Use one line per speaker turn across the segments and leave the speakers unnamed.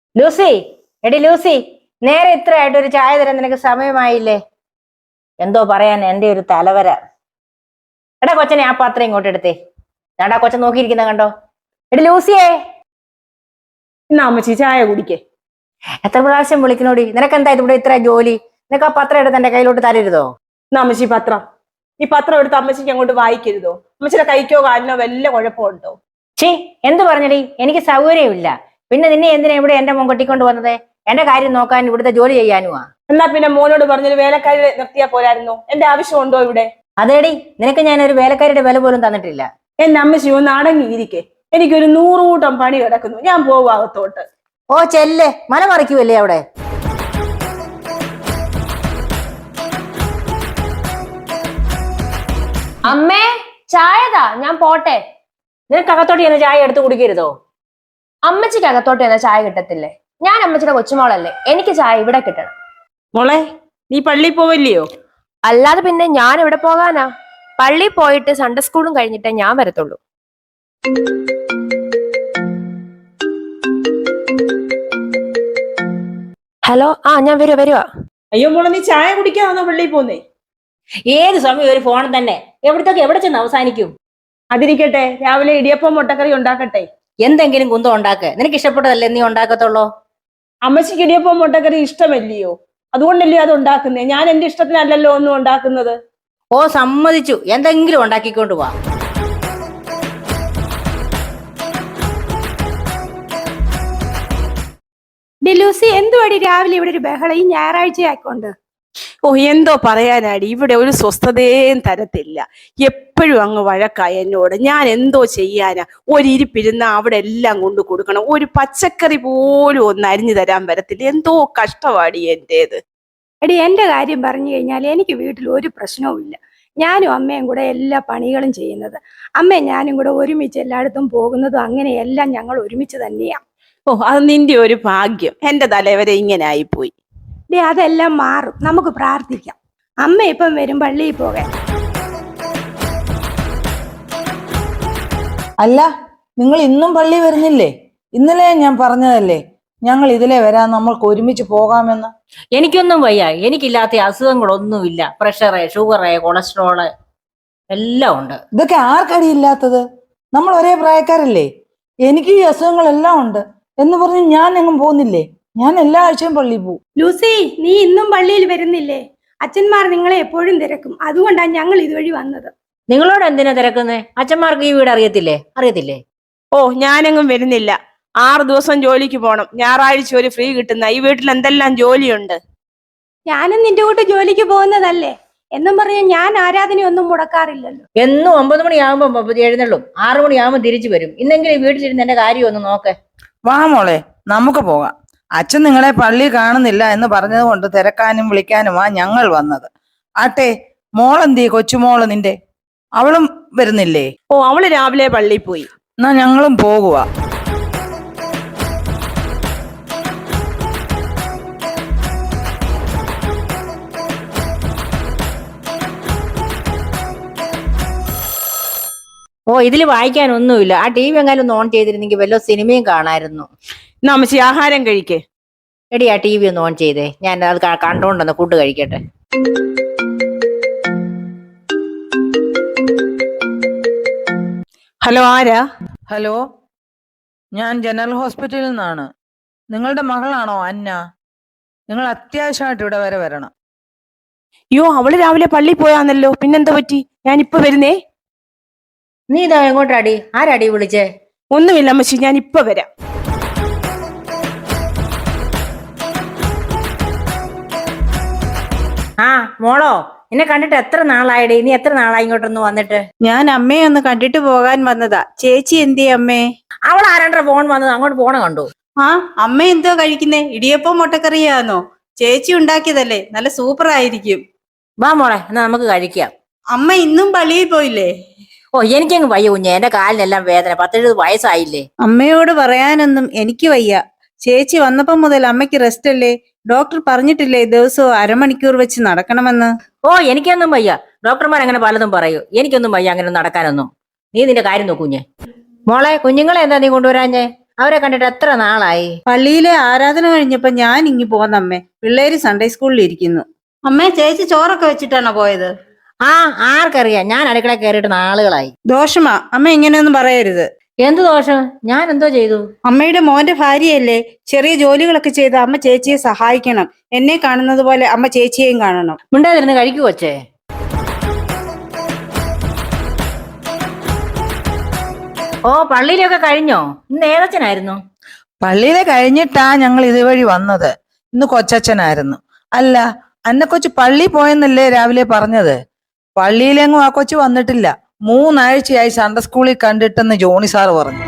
Lucy, എടി Lucy, നേരെ ഇത്രയായിട്ട് ഒരു ചായ തരാൻ നിനക്ക് സമയമായില്ലേ? എന്തോ പറയാൻ എന്റെ ഒരു തലവര. എടാ കൊച്ചനെ ആ പാത്രം ഇങ്ങോട്ട് എടുത്തേ. ഞാടാ കൊച്ചൻ നോക്കിയിരിക്കുന്ന കണ്ടോ? എടി ലൂസിയേ,
എന്നാ അമ്മച്ചി ചായ കുടിക്കേ.
എത്ര പ്രാവശ്യം വിളിക്കണോടി? നിനക്ക് എന്താ ഇവിടെ ഇത്ര ജോലി? നിനക്ക് ആ പത്രം എടുത്ത് എന്റെ കയ്യിലോട്ട് തരരുതോ?
എന്നാ അമ്മച്ചി പത്രം, ഈ പത്രം എടുത്ത് അമ്മച്ചിക്ക് അങ്ങോട്ട് വായിക്കരുതോ? അമ്മച്ചിയുടെ കൈക്കോ കാലിനോ വല്ല കുഴപ്പമുണ്ടോ?
ഛീ, എന്ത് പറഞ്ഞടി? എനിക്ക് സൗകര്യമില്ല. പിന്നെ നിന്നെ എന്തിനാ ഇവിടെ എന്റെ മോൻ കൊട്ടിക്കൊണ്ട് വന്നത്? എന്റെ കാര്യം നോക്കാൻ, ഇവിടുത്തെ ജോലി ചെയ്യാനുമാ.
എന്നാ പിന്നെ മോനോട് പറഞ്ഞൊരു വേലക്കാരി നിർത്തിയാ പോരായിരുന്നോ? എന്റെ ആവശ്യമുണ്ടോ ഇവിടെ?
അതേടി, നിനക്ക് ഞാൻ ഒരു വേലക്കാരിയുടെ വില പോലും തന്നിട്ടില്ല.
എന്റെ അമ്മച്ചി ഒന്ന് അടങ്ങിയിരിക്കെ. എനിക്കൊരു 100 കൂട്ടം പണി കിടക്കുന്നു. ഞാൻ പോവാകത്തോട്ട്.
ഓ ചെല്ല്, മല മറിക്കുമല്ലേ അവിടെ.
അമ്മേ, ചായതാ, ഞാൻ പോട്ടെ.
നിനക്ക് അകത്തോട്ട് ചെന്ന് ചായ എടുത്ത് കുടിക്കരുതോ?
അമ്മച്ചിക്ക് അകത്തോട്ട് ചെന്ന ചായ കിട്ടത്തില്ലേ? ഞാൻ അമ്മച്ചിയുടെ കൊച്ചുമോളല്ലേ, എനിക്ക് ചായ ഇവിടെ കിട്ടണം.
മോളെ, നീ പള്ളിയിൽ പോവല്ലയോ?
അല്ലാതെ പിന്നെ ഞാൻ ഇവിടെ പോകാനാ? പള്ളിയിൽ പോയിട്ട് സൺഡേ സ്കൂളും കഴിഞ്ഞിട്ടേ ഞാൻ വരത്തുള്ളൂ. ഹലോ, ഞാൻ വരുവാ.
അയ്യോ മോളെ, നീ ചായ കുടിക്കാന്നോ പള്ളിയിൽ പോന്നേ?
ഏത് സമയം ഒരു ഫോൺ തന്നെ. എവിടെ ചെന്ന് അവസാനിക്കും?
അതിരിക്കട്ടെ, രാവിലെ ഇടിയപ്പം മുട്ടക്കറി ഉണ്ടാക്കട്ടെ.
എന്തെങ്കിലും കുന്തം ഉണ്ടാക്ക്. നിനക്ക് ഇഷ്ടപ്പെട്ടതല്ലേ നീ ഉണ്ടാക്കത്തുള്ളൂ.
അമ്മച്ചിക്ക് ഇടിയപ്പം മുട്ടക്കറി ഇഷ്ടമല്ലയോ? അതുകൊണ്ടല്ലേ അത് ഉണ്ടാക്കുന്നേ. ഞാൻ എന്റെ ഇഷ്ടത്തിനല്ലല്ലോ ഒന്നും ഉണ്ടാക്കുന്നത്.
ഓ സമ്മതിച്ചു, എന്തെങ്കിലും ഉണ്ടാക്കിക്കൊണ്ട് വാ.
ലൂസി, എന്തുവാടി രാവിലെ ഇവിടെ ഒരു ബഹളം? ഈ ഞായറാഴ്ച ആയിക്കൊണ്ട്.
ഓ, എന്തോ പറയാനാടി, ഇവിടെ ഒരു സ്വസ്ഥതയും തരത്തില്ല. എപ്പോഴും അങ്ങ് വഴക്കായ എന്നോട്. ഞാൻ എന്തോ ചെയ്യാനാ? ഒരിരിപ്പിരുന്ന അവിടെ എല്ലാം കൊണ്ട് കൊടുക്കണം. ഒരു പച്ചക്കറി പോലും ഒന്ന് അരിഞ്ഞു തരാൻ വരത്തില്ല. എന്തോ കഷ്ടവാടി എന്റേത്.
എടി, എന്റെ കാര്യം പറഞ്ഞു കഴിഞ്ഞാൽ എനിക്ക് വീട്ടിൽ ഒരു പ്രശ്നവും ഇല്ല. ഞാനും അമ്മയും കൂടെ എല്ലാ പണികളും ചെയ്യുന്നത്. അമ്മയും ഞാനും കൂടെ ഒരുമിച്ച് എല്ലായിടത്തും പോകുന്നതും അങ്ങനെയെല്ലാം ഞങ്ങൾ ഒരുമിച്ച് തന്നെയാ.
ഓ, അത് നിന്റെ ഒരു ഭാഗ്യം. എന്റെ തലവരെ ഇങ്ങനെ ആയിപ്പോയി.
അതെല്ലാം മാറും, നമുക്ക് പ്രാർത്ഥിക്കാം. അമ്മ ഇപ്പം വരും പള്ളിയിൽ പോകാൻ.
അല്ല, നിങ്ങൾ ഇന്നും പള്ളി വരുന്നില്ലേ? ഇന്നലെ ഞാൻ പറഞ്ഞതല്ലേ ഞങ്ങൾ ഇതിലെ വരാൻ, നമ്മൾക്ക് ഒരുമിച്ച് പോകാമെന്ന്.
എനിക്കൊന്നും വയ്യ. എനിക്കില്ലാത്ത അസുഖങ്ങളൊന്നുമില്ല. പ്രഷറ്, ഷുഗറ്, കൊളസ്ട്രോള് എല്ലാം ഉണ്ട്.
ഇതൊക്കെ ആർക്കടിയില്ലാത്തത്? നമ്മൾ ഒരേ പ്രായക്കാരല്ലേ? എനിക്ക് ഈ അസുഖങ്ങളെല്ലാം ഉണ്ട് എന്ന് പറഞ്ഞ് ഞാൻ എങ്ങും പോകുന്നില്ലേ? ഞാൻ എല്ലാ ആഴ്ചയും പള്ളിയിൽ പോകും.
ലൂസി, നീ ഇന്നും പള്ളിയിൽ വരുന്നില്ലേ? അച്ഛന്മാർ നിങ്ങളെ എപ്പോഴും തിരക്കും. അതുകൊണ്ടാണ് ഞങ്ങൾ ഇതുവഴി വന്നത്.
നിങ്ങളോട് എന്തിനാ തിരക്കുന്നേ? അച്ഛന്മാർക്ക് ഈ വീട് അറിയത്തില്ലേ?
ഓ, ഞാനെങ്ങും വരുന്നില്ല. 6 ദിവസം ജോലിക്ക് പോണം. ഞായറാഴ്ച ഒരു ഫ്രീ കിട്ടുന്ന. ഈ വീട്ടിൽ എന്തെല്ലാം ജോലിയുണ്ട്.
ഞാനും നിന്റെ കൂട്ട് ജോലിക്ക് പോകുന്നതല്ലേ എന്നും പറഞ്ഞ് ഞാൻ ആരാധനയൊന്നും മുടക്കാറില്ലല്ലോ.
എന്നും 9 മണിയാകുമ്പോ എഴുന്നള്ളും, 6 മണിയാകുമ്പോ തിരിച്ചു വരും. ഇന്നെങ്കിലും വീട്ടിലിരുന്ന് എന്റെ കാര്യം ഒന്ന് നോക്ക്.
വാ മോളെ, നമുക്ക് പോകാം. അച്ഛൻ നിങ്ങളെ പള്ളി കാണുന്നില്ല എന്ന് പറഞ്ഞത് കൊണ്ട് തിരക്കാനും വിളിക്കാനുമാ ഞങ്ങൾ വന്നത്. ആട്ടെ, മോളെന്തീ? കൊച്ചുമോള് നിന്റെ, അവളും വരുന്നില്ലേ?
ഓ, അവള് രാവിലെ പള്ളിയിൽ പോയി.
എന്നാ ഞങ്ങളും പോകുക.
ഓ, ഇതിൽ വായിക്കാനൊന്നുമില്ല. ആ TV എങ്ങാനും ഒന്ന് ഓൺ ചെയ്തിരുന്നെങ്കിൽ വല്ല സിനിമയും കാണായിരുന്നു.
എന്നാ അമ്മച്ചി ആഹാരം കഴിക്കേ.
എടി, ആ TV ഒന്ന് ഓൺ ചെയ്തേ. ഞാൻ അത് കണ്ടോണ്ടെന്ന് ഫുഡ് കഴിക്കട്ടെ.
ഹലോ, ആരാ?
ഹലോ, ഞാൻ ജനറൽ ഹോസ്പിറ്റലിൽ നിന്നാണ്. നിങ്ങളുടെ മകളാണോ അന്ന? നിങ്ങൾ അത്യാവശ്യമായിട്ട് ഇവിടെ വരെ വരണം.
അയ്യോ, അവള് രാവിലെ പള്ളിയിൽ പോയാന്നല്ലോ. പിന്നെന്താ പറ്റി? ഞാനിപ്പോ വരുന്നേ.
നീ ഇതാ എങ്ങോട്ടാടി? ആരാടി വിളിച്ചേ?
ഒന്നുമില്ല അമ്മച്ചി, ഞാൻ ഇപ്പൊ വരാം.
ആ മോളോ, എന്നെ കണ്ടിട്ട് എത്ര നാളായിടി? നീ എത്ര നാളായി ഇങ്ങോട്ടൊന്ന് വന്നിട്ട്?
ഞാൻ അമ്മയെ ഒന്ന് കണ്ടിട്ട് പോകാൻ വന്നതാ. ചേച്ചി എന്തേ അമ്മേ?
അവൾ ആരാണ്ട ഫോൺ വന്നത്, അങ്ങോട്ട് പോണ കണ്ടു.
ആ, അമ്മ എന്തോ കഴിക്കുന്നേ? ഇടിയപ്പം മുട്ടക്കറിയാന്നോ? ചേച്ചി ഉണ്ടാക്കിയതല്ലേ, നല്ല സൂപ്പർ ആയിരിക്കും.
വാ മോളെ, എന്നാ നമുക്ക് കഴിക്കാം.
അമ്മ ഇന്നും പള്ളിയിൽ പോയില്ലേ?
ഓ, എനിക്കങ്ങ് വയ്യ കുഞ്ഞെ. എന്റെ കാലിനെല്ലാം വേദന. 10-70 വയസ്സായില്ലേ.
അമ്മയോട് പറയാനൊന്നും എനിക്ക് വയ്യ. ചേച്ചി വന്നപ്പം മുതൽ അമ്മയ്ക്ക് റെസ്റ്റ് അല്ലേ? ഡോക്ടർ പറഞ്ഞിട്ടില്ലേ ദിവസവും അരമണിക്കൂർ വെച്ച് നടക്കണമെന്ന്?
ഓ, എനിക്കൊന്നും വയ്യ. ഡോക്ടർമാർ അങ്ങനെ പലതും പറയൂ. എനിക്കൊന്നും വയ്യ അങ്ങനെ നടക്കാനൊന്നും. നീ നിന്റെ കാര്യം നോക്കൂഞ്ഞെ. മോളെ, കുഞ്ഞുങ്ങളെ എന്താ നീ കൊണ്ടുവരാഞ്ഞേ? അവരെ കണ്ടിട്ട് എത്ര നാളായി?
പള്ളിയിലെ ആരാധന കഴിഞ്ഞപ്പോ ഞാൻ ഇങ്ങി പോന്നമ്മേ. പിള്ളേര് സൺഡേ സ്കൂളിൽ ഇരിക്കുന്നു. അമ്മേ, ചേച്ചി ചോറൊക്കെ വെച്ചിട്ടാണോ പോയത്?
ആ, ആർക്കറിയാം, ഞാൻ അടുക്കള കയറിയിട്ട് നാളുകളായി.
ദോഷമാ അമ്മ, ഇങ്ങനെയൊന്നും പറയരുത്.
എന്ത് ദോഷം? ഞാൻ എന്തോ ചെയ്തു?
അമ്മയുടെ മോന്റെ ഭാര്യയല്ലേ, ചെറിയ ജോലികളൊക്കെ ചെയ്ത് അമ്മ ചേച്ചിയെ സഹായിക്കണം. എന്നെ കാണുന്നത് പോലെ അമ്മ ചേച്ചിയെയും കാണണം.
മിണ്ടാതിരുന്ന് കഴിക്കു കൊച്ചേ. ഓ, പള്ളിയിലൊക്കെ കഴിഞ്ഞോ? ഇന്ന് ഏതച്ഛനായിരുന്നു?
പള്ളിയിലെ കഴിഞ്ഞിട്ടാ ഞങ്ങൾ ഇതുവഴി വന്നത്. ഇന്ന് കൊച്ചച്ഛനായിരുന്നു. അല്ല, അന്ന കൊച്ചു പള്ളി പോയെന്നല്ലേ രാവിലെ പറഞ്ഞത്? പള്ളിയിലെങ്ങും ആ കൊച്ചു വന്നിട്ടില്ല. 3 ആഴ്ചയായി സൺഡേ സ്കൂളിൽ കണ്ടിട്ടെന്ന് ജോണി സാറ് പറഞ്ഞു.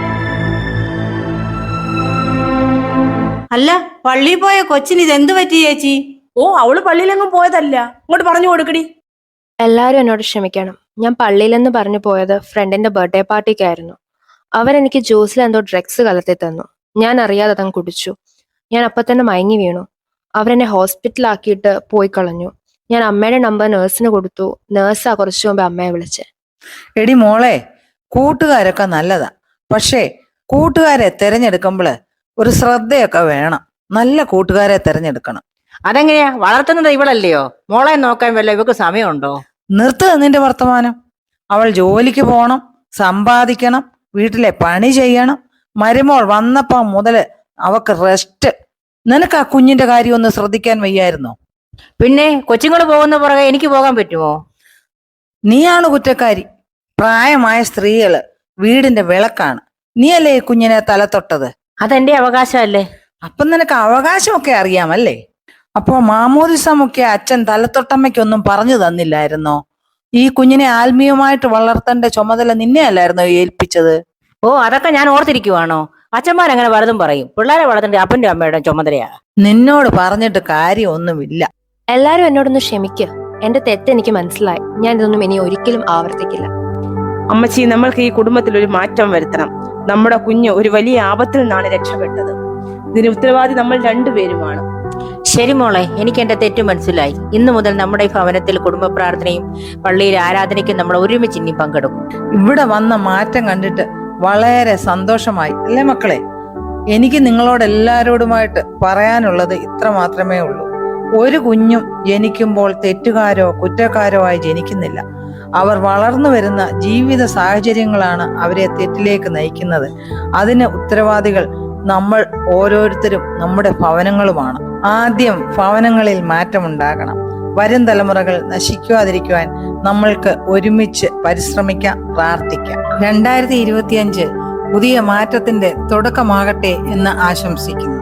അല്ല, പള്ളിയിൽ പോയ കൊച്ചിന് ഇതെന്ത് പറ്റി ചേച്ചി?
ഓ, അവള് പള്ളിയിലെങ്ങും പോയതല്ല. അങ്ങോട്ട് പറഞ്ഞു കൊടുക്കടി.
എല്ലാവരും എന്നോട് ക്ഷമിക്കണം. ഞാൻ പള്ളിയിലെന്ന് പറഞ്ഞു പോയത് ഫ്രണ്ടിന്റെ ബർത്ത്ഡേ പാർട്ടിക്കായിരുന്നു. അവരെനിക്ക് ജ്യൂസിൽ എന്തോ ഡ്രഗ്സ് കലർത്തി തന്നു. ഞാൻ അറിയാതെ അതങ്ങ് കുടിച്ചു. ഞാൻ അപ്പൊ തന്നെ മയങ്ങി വീണു. അവരെന്നെ ഹോസ്പിറ്റലാക്കിയിട്ട് പോയി കളഞ്ഞു. ഞാൻ അമ്മയുടെ നമ്പർ നേഴ്സിന് കൊടുത്തു. നേഴ്സാ കുറച്ചു മുമ്പ് അമ്മയെ വിളിച്ചേ.
എടി മോളെ, കൂട്ടുകാരൊക്കെ നല്ലതാ. പക്ഷേ കൂട്ടുകാരെ തിരഞ്ഞെടുക്കുമ്പോള് ഒരു ശ്രദ്ധയൊക്കെ വേണം. നല്ല കൂട്ടുകാരെ തിരഞ്ഞെടുക്കണം.
അതെങ്ങനെയാ? വളർത്തുന്നത് ഇവളല്ലയോ? മോളെ നോക്കാൻ വല്ല ഇവക്ക് സമയമുണ്ടോ?
നിർത്തുക നിന്റെ വർത്തമാനം. അവൾ ജോലിക്ക് പോണം, സമ്പാദിക്കണം, വീട്ടിലെ പണി ചെയ്യണം. മരുമോൾ വന്നപ്പോ മുതല് അവക്ക് റെസ്റ്റ്. നിനക്ക് ആ കുഞ്ഞിന്റെ കാര്യം ഒന്ന് ശ്രദ്ധിക്കാൻ വയ്യായിരുന്നോ?
പിന്നെ കൊച്ചുങ്ങൾ പോകുന്ന പുറകെ എനിക്ക് പോകാൻ പറ്റുമോ?
നീയാണ് കുറ്റക്കാരി. പ്രായമായ സ്ത്രീകള് വീടിന്റെ വിളക്കാണ്. നീയല്ലേ ഈ കുഞ്ഞിനെ തലത്തൊട്ടത്?
അതെന്റെ അവകാശമല്ലേ?
അപ്പം നിനക്ക് അവകാശമൊക്കെ അറിയാമല്ലേ? അപ്പോ മാമോദിസമൊക്കെ അച്ഛൻ തലത്തൊട്ടമ്മയ്ക്കൊന്നും പറഞ്ഞു തന്നില്ലായിരുന്നോ? ഈ കുഞ്ഞിനെ ആത്മീയമായിട്ട് വളർത്തേണ്ട ചുമതല നിന്നെ അല്ലായിരുന്നോ ഏൽപ്പിച്ചത്?
ഓ, അതൊക്കെ ഞാൻ ഓർത്തിരിക്കുവാണോ? അച്ഛന്മാരങ്ങനെ പലതും പറയും. പിള്ളേരെ വളർത്തേണ്ട അപ്പന്റെ അമ്മയുടെ ചുമതലയാ.
നിന്നോട് പറഞ്ഞിട്ട് കാര്യമൊന്നുമില്ല.
എല്ലാരും എന്നോടൊന്ന് ക്ഷമിക്കുക. എന്റെ തെറ്റ് എനിക്ക് മനസ്സിലായി. ഞാൻ ഇതൊന്നും ഇനി ഒരിക്കലും ആവർത്തിക്കില്ല.
അമ്മച്ചി, നമ്മൾക്ക് ഈ കുടുംബത്തിൽ ഒരു മാറ്റം വരുത്തണം. നമ്മുടെ കുഞ്ഞ് ഒരു വലിയ ആപത്തിൽ നിന്നാണ് രക്ഷപ്പെട്ടത്. ഇതിന് ഉത്തരവാദി നമ്മൾ രണ്ടുപേരുമാണ്.
ശരി മോളെ, എനിക്ക് എന്റെ തെറ്റ് മനസ്സിലായി. ഇന്നു മുതൽ നമ്മുടെ ഈ ഭവനത്തിൽ കുടുംബ പ്രാർത്ഥനയും പള്ളിയിലെ ആരാധനയ്ക്കും നമ്മൾ ഒരുമിച്ച് ഇനി പങ്കെടുക്കും.
ഇവിടെ വന്ന മാറ്റം കണ്ടിട്ട് വളരെ സന്തോഷമായി, അല്ലേ മക്കളെ? എനിക്ക് നിങ്ങളോട് എല്ലാവരോടുമായിട്ട് പറയാനുള്ളത് ഇത്ര മാത്രമേ ഉള്ളൂ. ഒരു കുഞ്ഞും ജനിക്കുമ്പോൾ തെറ്റുകാരോ കുറ്റക്കാരോ ആയി ജനിക്കുന്നില്ല. അവർ വളർന്നു വരുന്ന ജീവിത സാഹചര്യങ്ങളാണ് അവരെ തെറ്റിലേക്ക് നയിക്കുന്നത്. അതിന് ഉത്തരവാദികൾ നമ്മൾ ഓരോരുത്തരും, നമ്മുടെ ഭവനങ്ങളുമാണ്. ആദ്യം ഭവനങ്ങളിൽ മാറ്റമുണ്ടാകണം. വരും തലമുറകൾ നശിക്കാതിരിക്കുവാൻ നമ്മൾക്ക് ഒരുമിച്ച് പരിശ്രമിക്കാം, പ്രാർത്ഥിക്കാം. 2025 പുതിയ മാറ്റത്തിന്റെ തുടക്കമാകട്ടെ എന്ന് ആശംസിക്കുന്നു.